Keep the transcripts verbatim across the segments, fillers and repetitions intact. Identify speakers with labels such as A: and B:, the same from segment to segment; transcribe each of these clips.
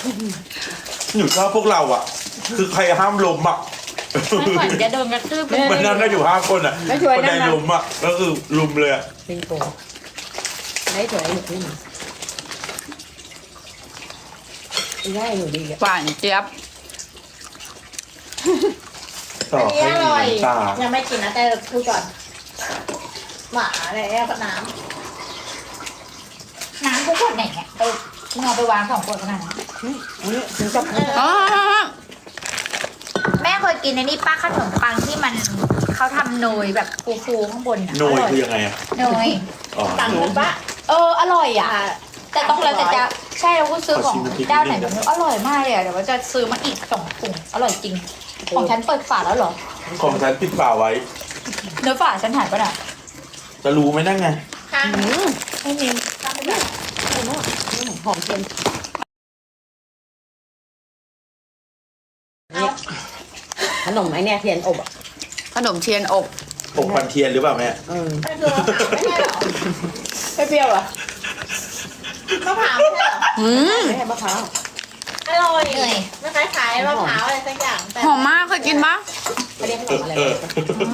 A: หนูชอบพวกเราอ่ะ คือใครห้ามล้มอ่ะ
B: ไม่เหมือนจะโดนกระทืบ
A: มันนั่งกันอยู่ห้าคนอ่ะคนใดล้มอ่ะก็คือลุมเลยอ่ะ
C: เป็นโกได้สวยหนูขึ้นได้หนูดีอ่ะ
B: หวานเจี๊ยบ
A: ต่อ
D: อันนี้
A: ให้
D: อร่อย
A: มีน้ำตา
D: ยังไม่กินนะแต่พูดก่อนหมาอะไรเนี่ยกับน้ำน้ำทุกคนไหนเนี่ยเออมึงเอาไปวางสองขวดขนาดนั้น
C: อันนี้ถึงจะ
B: อ๋อ
D: แม่เคยกินในนี่ป้าขนมปังที่มันเขาทำโนยแบบฟูๆข้างบนอ่ะ
A: โนยคือยังไงอ่ะ
D: โนย
A: อ๋อ
D: ตังค์ปะเอออร่อยอ่ะ แต่ต้องแล้วแต่จะใช่เราก็ซื้อของเจ้าไหนแบบนี้อร่อยมากเลยอ่ะเดี๋ยวว่าจะซื้อมาอีกสองถุงอร่อยจริงของฉันเปิดฝาแล้วเหรอ
A: ของฉันปิดฝาไว้
D: เนื้อฝาฉันหายไปไหน
A: จะรู้ไหมนั่งไง
D: ไม่มี
C: หอมเทียนขนมไอเนี่ยเทียนอบอ่ะ
B: ขนมเทียนอบ
A: ผมควันเทียนหรือเปล่าแม่
C: เออ
D: ไม่คือมะพร้าวไม่ใช่เหรอ
C: ไม่เปรี้ยวเหรอ
D: มะพร้าวไม่ใช่เหรอ
B: อืม
C: ไม่ใช่มะพร้าว
D: อร่อยเลยมันคล้ายๆมะพร้าวอะไรสักอย่างแต่
B: หอมมากเคยกินปะ
C: เขาเรียกขนมอะไร
A: เออ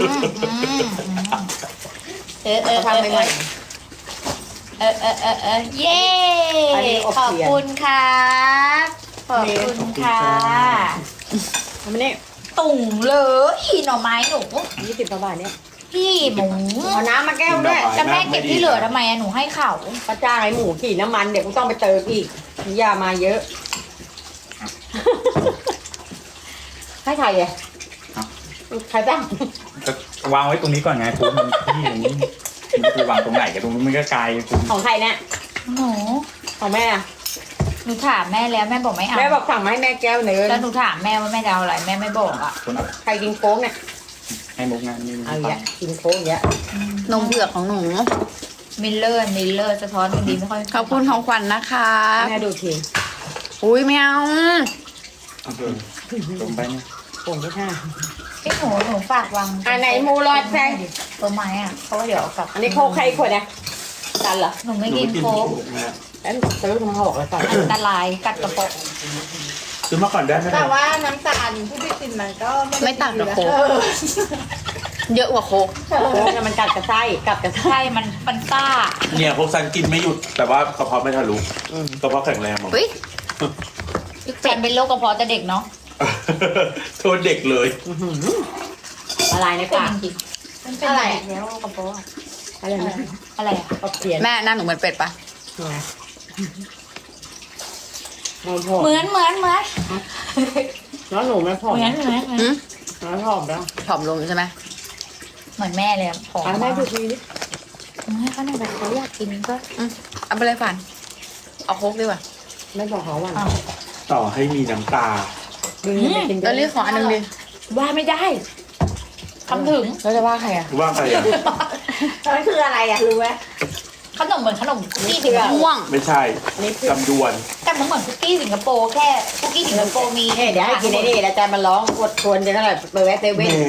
D: เออเออ
C: ทำใหม่
D: เออเออเออเออเย้
C: อันนี้อบ
D: ขอบ
C: เทียน
D: คุณครับขอบคุณค่ะ
C: ๆทำไมเนี่ย
D: ตุ่งเลยหน่อไม้หนู
C: ยี่สิบกว่าบาทเนี่ย
D: พี่หมู
C: เอาน้ำมาแก้วด้วย
D: จะแม่เก็บที่เหลือทำไมอะหนูให้เขา
C: ป้าจ้างไอ้หมูขี่น้ำมันเดี๋ยวกูต้องไปเติมอีกอย่ามาเยอะ ให้ใครอ่ะใครจ้าง
E: วางไว้ตรงนี้ก่อนไงคุณมันที่ตรงนี้มันคือวางตรงไหนกันตรงนี้มันก็ไกลคุณ
C: ของใครเนี่ย
D: หนู
C: ของแม่อะ
D: หนูถามแม่แล้วแม่บอกไม่เอา
C: แม่บอกสั่งมาให้แม่แก้วหนึ่ง
D: แล้วหนูถามแม่ว่าแม่จะเอาอะไรแม่ไม่บอกอ่ะ
E: คุณเอา
C: ใครกินโค้งเนี่ย
E: ให้มุกงานนี่
C: เอาอย่างกินโค้งอย่างเงี้ย
B: นมเผือกของหนู
D: มิลเลอร์มิลเลอร์สะท้อนมันดีไม่ค่อย
B: ขอบคุณของขวัญนะคะ
C: แม่ดูที
B: อุ้ยไม่เอา
E: ตรงไปเนี่ย
C: โค้งที่ห้า
D: พี่หนูหนูฝากวาง
C: อันไหนหมูรอดแซง
D: ตัวไม้อ่ะเพราะว่าเดี๋ยวเอากลับ
C: อันนี้โค้งใครขวดเนี่ยจันเหรอ
D: หนู
A: ห
D: ไม่
A: นู
D: กิน
A: ไม่กิน
D: โค้ก
A: แม่
C: แล้วซื้อมาหกเลยก่อน
D: อันตรายกัดกระเพาะ
A: ซื้อมาก่อนได้ไหม
D: แต่ว่าน้ำตาลที่พี่กินมันก็
B: ไม่ต่างกับโค้กเยอะกว่าโค้ก
C: โค้งเนี่ยมันกัดกระไส้กัดกระไส้
D: ใช่มันมันซ่า
A: เนี่ยพวกฉันกินไม่หยุด แต่ว่ากระเพาะไม่ทะลุ
C: อืม
A: กระเพาะแข็งแรงมั้ง
B: อุ้ย
D: เป็นเป็นโรคกระเพาะแต่เด็กเนาะ
A: โทษเด็กเลย
C: อื้อหือละลายใน
D: เป็น
C: ปาก
D: จริงๆมันเป็นอะไรแล้วกระเพาะอะ
C: อะไรนะ
D: อะไรอ่ะ
C: อบเทียน
B: แม่หน้าหนูเหมือนเป็ดปะ
C: ไม่พอ
D: เหมือนเหมือนเหมือน
C: แล้วหนูไม่พอ
D: เหมือนเหมือนเหมือน
B: หืม
C: ไม่พอแล้ว
B: ผอมลงใช่ไหม
D: เหมือนแม่เลยอะผอม
C: อ่ะแม่ดูทีดิ
D: ให้เขาหน่อยแบบเขาอยากกินก็
B: อืมเอาไปเลยฝันเอาโค้กดีกว่า
C: ไม่บอกเขาวัน
D: เอา
A: ต่อให้มีน้ำตา
C: ดึงไปกิน
B: แล้วเรียกขออันหนึงดิ
D: ว่าไม่ได้ทำถึง
B: แล้วจะว่าใครอ่ะ
A: ว่าใครอ่ะ
C: มันคืออะไรอ่ะรู้ไหม
D: ขนมเหมือนขนมคุกกี้สิงคโป
B: ม่ว
D: ร์
B: ง
A: ไม่ใช่
C: อันนี้คือ
A: จำดวน
D: แต่มันเหมือนคุกกี้สิงคโปร์แค่คุกกี้สิงคโปร์มี
C: เฮ้ยเดี๋ยวให้กินไอ้นี่แล้วอาจารย์มาร้องอดทวนจะเท่าไหร่ไปแวะเซ
A: แหม
C: เว่น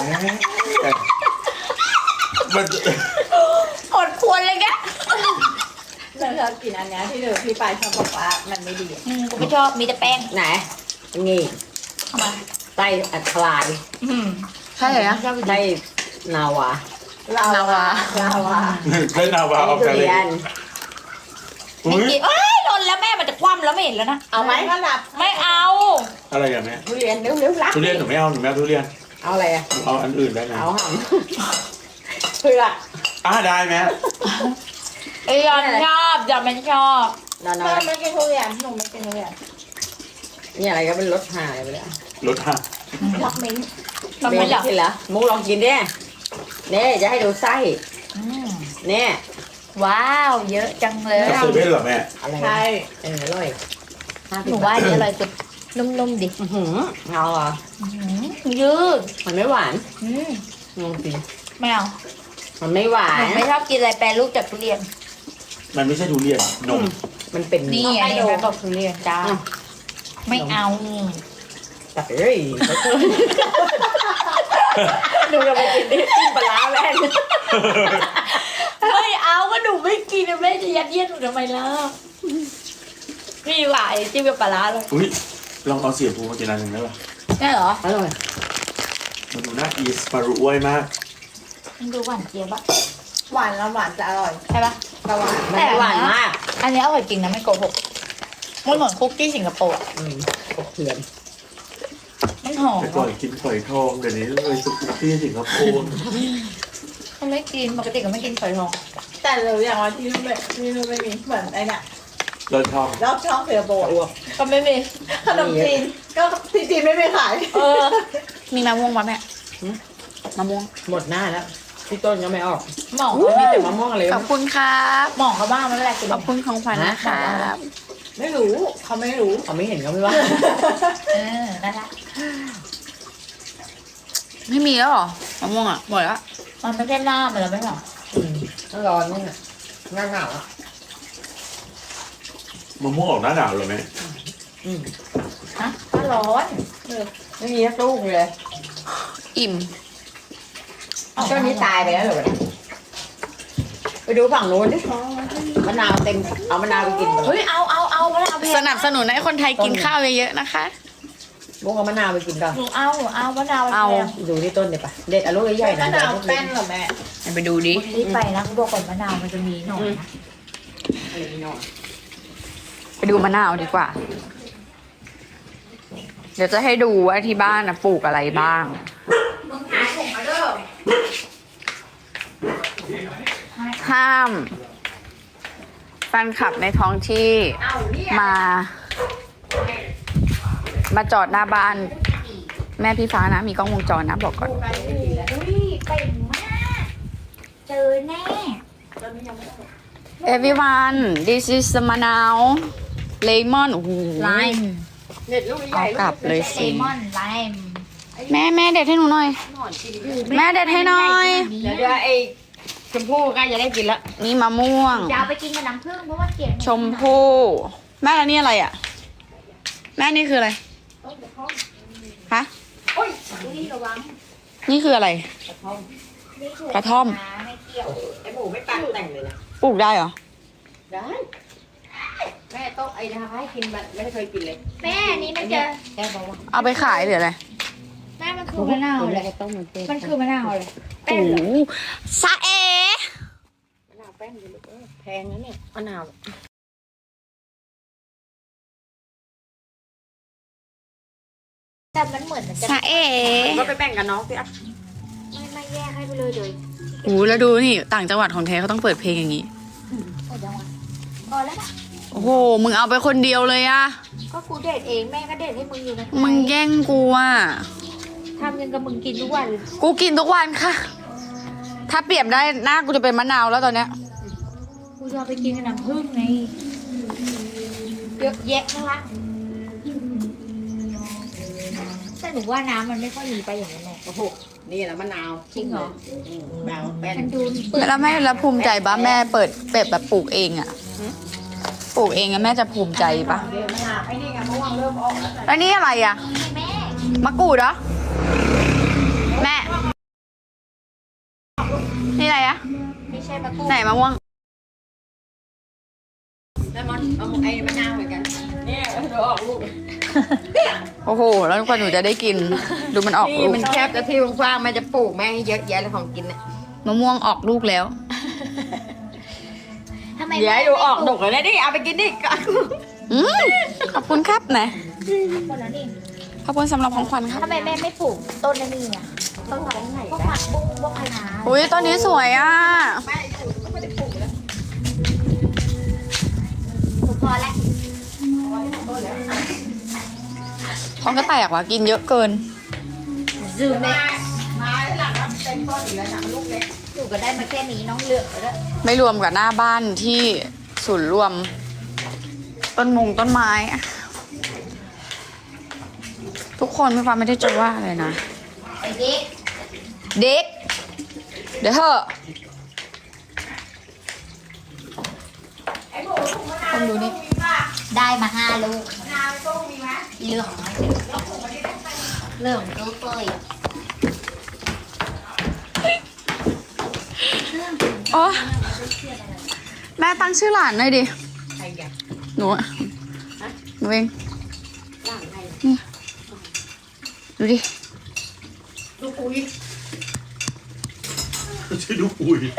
A: มัน
D: อดควรเลยแก
F: เราชอบกินอันเนี้ยที่เดี๋ยวพี่ปายชอบบอกว่ามันไม่ดีอะ
D: อืมกูไม่ชอบมีแต่แป้ง
C: ไหนนี่
D: เข้ามา
C: ไส้อัดคลาย
D: อืม
B: ใช่เหรอ
D: ชอบ
C: ไส้นาวา
B: นาวา
F: ลาวา
A: เล่นนาวา
C: อัน
A: อ
C: นี้
A: อก
C: ทุ
A: กันเลย
C: เรียน
D: ไม่
A: อุ้ย
D: กินเอ้ยหล่นแล้วแม่มันจะคว่ำแล้วไม่เห็นแล้วนะ
C: เอาไหม
F: ก็รับ
D: ไม่เอา
A: อะไรอ่ะแม่
C: ทุเรียนเร็วเร็วๆรัก
A: ทุเรียนหนูไม่เอาหนูไม่เอาทุเรียน
C: เอาอะไรอ่ะ
A: หนูเอาอันอื่นได้ไหม
C: เอาหำเผือก
A: อ่ะได้ไหม
D: ไอ้ยอนชอบยอนไม่ชอบ
C: นอน
F: แม่
C: ๆ
F: ไม่กินทุเรียนหนูไม่กินทุเรียน
C: นี่อะไรก็เป็นรสหายไปเลย
A: รถห่า
F: รักมิ้นท์
D: ทำไมเหรอ
C: กินเหรอมุกลองกินดิเนี่ยจะให้ดูไส้
D: อืม
C: เนี่ย
D: ว้าวเยอะจังเลย
A: จะซื้อได้เหรอแม่
C: อะไร
F: ใช่
C: เอออร่อยห้า
D: ห
C: สิบ
D: นู
C: บา
D: ว่า
C: ท
D: อันนี้อร่อยสุดนุ่มๆดิ
C: อื้อหือเอาเหรอ
D: อื้อหือยืด
C: มันไม่หวาน
D: อืม
C: ลองสิ
D: ไม่เอา
C: มันไม่หวา
D: หนู
C: น
D: ไม่ชอบกินอะไรแปรรูปจากทุเรียน
A: มันไม่ใช่ทุเรียนนม
C: มันเป็น
D: นี่อันนี้แม่บอกทุเรียนจ้า
C: อ่ะ
D: ไม่เอา
C: แต่เอ้ยดูกันไปกินดิจิ้มปลาร้าแม่ง
D: ไม่เอาก็หนูไม่กินแม่จะยัดเยียดหนูทำไมล่ะนี่หวานจิ้มกับปลาร้าเลย
A: อุ้ยลองเอาเสียบูมากินอันหนึ่งได้ปะ
D: ได้เหรอ
C: อร่อย
A: มันดูน่าอีสปารุอ้วยมาก
D: มันดูหวานเจี๊ยบอะ
F: หวานแล้วหวานจะอร่อย
D: ใช่ปะ
F: แต่หวาน
C: แต่หวานมาก
D: อันนี้อร่อยจริงนะไม่โกหกมันเหมือนคุกกี้สิงคโปร์อะ
C: อืมกบเถื่อน
D: มันหอม
A: แต่ก่อนกินฝอยทองเดี๋ยวนี้เลยสุกี้ที่สิงคโปร์
D: มันไม่กินปกติก็ไม่กินฝอยทอง
F: แต่เราอย่างว่าที่นู่นไม่ที่นู่นไม่มีเหมือนไอ้เนี่ย
A: เลิศทอง
F: รอบช่องเสือโบะ
D: ก็ไม่มี
F: ขนมจีนก็ที่จีนไม่มีขาย
D: เออ มีมะม่วงปะแม่มะม่วง
C: หมดหน้าแล้วพี่ต้นก็ไม่ออก
D: หมอง
C: มีแต่มะม่วงอะไร
B: ขอบคุณครับ
D: หมองเขาบ้างไม่เป็นไรกิน
B: ขอบคุณของขวัญนะครับ
F: ไม่รู้เขาไม่รู้
C: เขาไม่เห็นเขาไม่ว่า
D: เออนั่นแหละ
B: ไม่มีแล้วเหรอมะม่วงอ่ะหมดแล้ว
D: มันไม่ใช่หน้ามันแล้วไม่หรอ
C: อืมต้องร้อนนี่น่ะหน้าหนาวอ่ะ
A: มะม่วงออกหน้าหนาวเลยไหม
C: อืม
D: ฮะถ้าร้อน
C: ไม่มีสักลูกเลย
B: อิ่ม
C: ช่วงนี้ตายไปแล้วเหรอวะเนี่ยไปดูฝั่งโน้นดิมะนาวเต็มเอามะนาวไปกิน
D: เฮ้ยเอาเอาเอามะนาวแพง
B: สนับสนุนให้คนไทยกินข้าวเยอะๆนะคะ
C: บุ้งเอามะนาวไปกินก่อน
D: หนูเอาหนูเอามะนาว
B: เอา
D: แพง
C: ดูที่ต้นเดี๋ยวปะเด็ดเอาลูกใหญ่ๆหน่
F: มะ
C: อย
F: นาว
C: ลูก
F: แป้
C: เล็ก
F: นเหรอแม่
B: ไปดูดิ
D: รีบไปนะเขาบอกก่อนมะนาวมันจะมีหน่อยนะ
C: อะไรนี่หน่อย
B: ไปดูมะนาวดีกว่า เดี๋ยวจะให้ดูว่าที่บ้านนะปลูกอะไรบ้าง
D: มึงหาถุงมาเด้อ
B: ห้ามแฟนคลับในท้องที่มา มาจอดหน้าบ้าน แม่พี่ฟ้านะ มีกล้องวงจรนะบอกก่อน
D: อุ้ยเก่งมากเจอแน่
B: everyone this is the มะนาว lemon โอ้โห
D: Lime
C: เด็ดลูกให
B: เอา
C: ญ่
B: กลับเลย
D: เล
B: สิ
D: มอนไลม์
B: แม่แม่เด็ดให้หนูหน่อย แม่เด็ดให้หน่อย
C: เดี๋ยวเดี๋ยวไอ้ชมพู่ใกล้จะได้กินละ
B: นี่มะม่วง
D: จะเอาไปกินกับน้ำผึ้งเพราะว่าเกลียด
B: ชมพู่แม่แล้วนี่อะไรอ่ะ แม่นี่คืออะไรฮะ
D: นี่ระวัง
B: นี่คืออะไร
D: นี่คือก
B: ระท่อม
D: นะไม่เกี่ยว
C: ไอ้หมูไม่ปังแต่งเลยนะ
B: ปลูกได้เหรอ
C: ได้แม่ต้องไอ้ทาให้กินมันไม่เคยกินเลย
D: แม่นี่มันจะ
C: แค่บอกว่า
B: เอาไปขายหรืออะไร
D: แม่มันคือมะนาวเลย
C: ต้มมันเป็น
D: มันคือมะนาวเลย
B: โอ้โหซาเอ
C: มะนาวแป้งอยู่ลูกเอ้ยแพงนะเนี่ยมะนาว
D: แต่มันเหมือนมันจะ
B: ซาเอ
C: ก็ไปแบ่งกับน้องสิอ่ะ
D: ไม่ไม่แยกให้ไปเลยเลย
B: โอ้โหแล้วดูนี่ต่างจังหวัดของแท้เขาต้องเปิดเพลงอย่างนี้
D: หมดยังวะพอแล้วนะ
B: โอ้โห มึงเอาไปคนเดียวเลยอะ
D: ก็กูเด็ดเองแม่ก็เด็ดให้มึงอยู่นะ
B: มึงแย่งกูอะ
D: ทำยังกับมึงกินทุกวันเลย
B: กูกินทุกวันค่ะ ถ้าเปรียบได้หน้ากูจะเป็นมะนาวแล้วตอนเนี้ย
D: กูจะเอาไปกินกับน้ำผึ้งไงเยอะแยะนะคะแต่หนูว่าน้ำมันไม่ค่อยมีไปอย่างนั้นแหละ
C: โอ้โหนี่แหละมะนาว
D: จริงเหรอ
C: อืมมะนาวแป้ง
D: มันดูเปลือก
B: แล้วแม่แล้วภูมิใจปะแม่เปิดเป็ดแบบปลูกเองอะปลูกเองอะแม่จะภูมิใจปะ
F: เดี๋ยวมะนาวไอ้นี่ไงมะม่วงเริ่มออกแล้ว
B: แล้วนี่อะไรอะ
D: แม่
B: มะกรูดเหรอ แม่ นี่อะไรอะ
D: ไม่ใช่มะกรูด
B: ไหนมะม่วง
C: แล้วมันเอาไอ้มะนาวเหมือนกันเนี่ยเดี๋ยวออกลูก
B: โอ้โห แล้วกว่าหนูจะได้กิน ดูมันออก
C: นี่
B: ลูก
C: มันแคบแต่ที่กว้างๆแม่จะปลูกแม่ให้เยอะแยะเลยของกินเนี่ย
B: มะม่วงออกลูกแล้ว
D: ทำไม
C: เดี๋ยวให้ดูออกดกเลยนะดิเอาไปกินดิ
B: อืมขอบคุณครับนะ
D: คนนั้นเอง
B: ขอบคุณสำหรับของขวัญครับ
D: ทำไมแม่ไม่ปลูกต้นนั่นนี่อ่ะต้นอะไรพวกผักบุ้งพวกคะน้า
B: อุ้ยต้นนี้สวยอ่ะ
D: หนูพอแล้ว
B: ท้องก็แตกว่ะกินเยอะเกิน
D: ลืมเลย
F: มาหลังมันเป็นต้นอยู่แล้วนะมันลูกเล็ก
D: หนูก็ได้มาแค่นี้น้องเลือกแล้ว
B: ไม่รวมกับหน้าบ้านที่ศูนย์รวม ต้นมงต้นไม้อะทุกคนไม่ฟังไม่ได้จะว่าอะไรนะ
D: ไอ้เด็ก
B: เด็ก เดี๋ยวเถอะคนดูนี่
D: ได้มาห้าลูก
F: มะนาวต้มมีไหม
D: เหลืองไหมเหลืองเกลือเปย
B: โอ้แม่ตั้งชื่อหลานหน่อยดิ
C: ใครอยาก
B: หนูอะเอง
C: ย่างให้
B: ดูดิ
C: ลูกอุ้ย
A: ชื่อลูกอุ้ย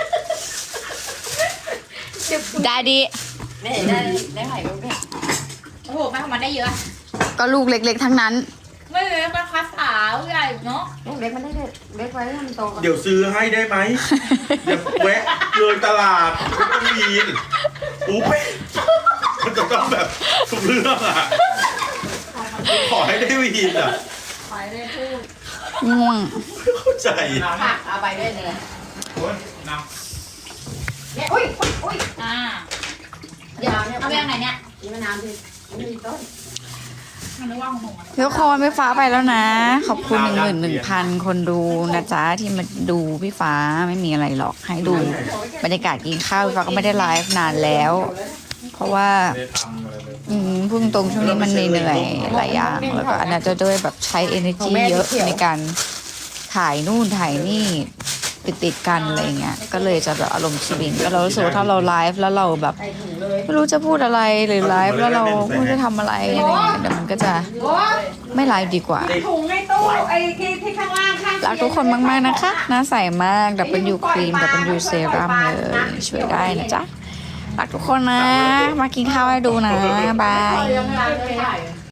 B: ได้ดิ
C: แม่ได้ได้ไข่ลูกเนี่ย
D: โอ้โหแม่ของมันได้เยอะ
B: ก็ลูกเล็กๆทั้งนั้น
D: ไม่เลยมันคัสสาวใหญ่เนาะ
C: ลูกเล็กมันได้เล็กไว้ให้มันโตก่อน
A: เดี๋ยวซื้อให้ได้ไหมอย่าแวะเลยตลาดไม่ต้องวีนอู้ไปมันจะต้องแบบทุกเรื่องอ่ะขอให้ได้วีนอ่ะ
F: ขายได้พูด
B: ง่วง
A: ไม่เข้าใจ
C: ผักเอาไปด้วยเลย
E: คุณน้
C: เนี่ยอุ้ยอุ้ยอุ้ย
D: อ่า
C: ยาวเนี่ย
D: เอาไปยังไหนเนี่ย
C: มีมะนาวดิไม่มีต้น
D: มันนึกว่าของหนูอะ
B: ทุกคนพี่ฟ้าไปแล้วนะ ขอบคุณหนึ่งหมื่นหนึ่งพันคนดูนะจ๊ะที่มาดูพี่ฟ้าไม่มีอะไรหรอกให้ดูบรรยากาศกินข้าวพี่ฟ้าก็ไม่ได้ไลฟ์นานแล้ว เพราะว่า
E: ำไม่ได้ทำอะไรเลย
B: อืมพูดตรงๆช่วงนี้มันเหนื่อยๆหลายอย่าง แล้วก็อันนั้นจะด้วยแบบใช้ energy เยอะในการถ่ายนู่นถ่ายนี่ติดติดๆกันอะไรเงี้ยก็เลยจะแบบอารมณ์สวิงก็เรารู้สึกว่าถ้าเราไลฟ์แล้วเราแบบ
C: ใส่ถุงเลย
B: ไม่รู้จะพูดอะไรหรือไลฟ์แล้วเราไม่รู้จะทำอะไรอะไรเงี้ยเดี๋ยวมันก็จะไม่ไลฟ์ดีกว่า
C: ถุงในตู้ไอ้ที่ที่ข้างล่างข้าง
B: รักทุกคนมากๆนะคะหน้าใสมากดับเบิลยูครีมดับเบิลยูเซรั่มเลยช่วยได้นะจ๊ะรักทุกคนนะ มากินข้าวให้ดูนะบาย
C: ยังไม่ได้